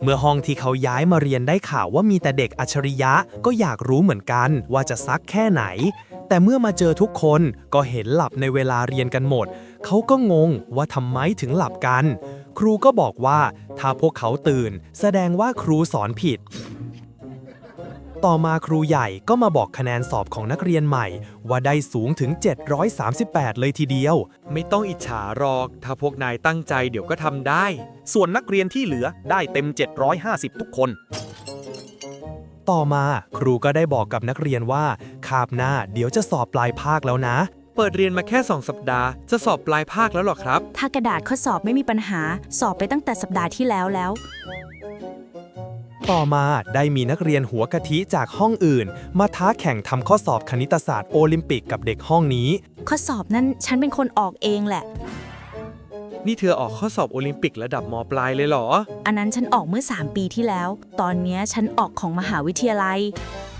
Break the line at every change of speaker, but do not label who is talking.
เมื่อห้องที่เขาย้ายมาเรียนได้ข่าวว่ามีแต่เด็กอัจฉริยะก็อยากรู้เหมือนกันว่าจะซักแค่ไหนแต่เมื่อมาเจอทุกคนก็เห็นหลับในเวลาเรียนกันหมดเขาก็งงว่าทำไมถึงหลับกันครูก็บอกว่าถ้าพวกเขาตื่นแสดงว่าครูสอนผิดต่อมาครูใหญ่ก็มาบอกคะแนนสอบของนักเรียนใหม่ว่าได้สูงถึง738เลยทีเดียว
ไม่ต้องอิจฉาหรอกถ้าพวกนายตั้งใจเดี๋ยวก็ทำได้
ส่วนนักเรียนที่เหลือได้เต็ม750ทุกคน
ต่อมาครูก็ได้บอกกับนักเรียนว่าคาบหน้าเดี๋ยวจะสอบปลายภาคแล้วนะ
เปิดเรียนมาแค่2 สัปดาห์จะสอบปลายภาคแล้วหรอครับ
ถ้ากระดาษข้อสอบไม่มีปัญหาสอบไปตั้งแต่สัปดาห์ที่แล้ว
ต่อมาได้มีนักเรียนหัวกะทิจากห้องอื่นมาท้าแข่งทำข้อสอบคณิตศาสตร์โอลิมปิกกับเด็กห้องนี้
ข้อสอบนั้นฉันเป็นคนออกเองแหละ
นี่เธอออกข้อสอบโอลิมปิกระดับม.ปลายเลยเหรอ
อันนั้นฉันออกเมื่อ3 ปีที่แล้วตอนนี้ฉันออกของมหาวิทยาลัย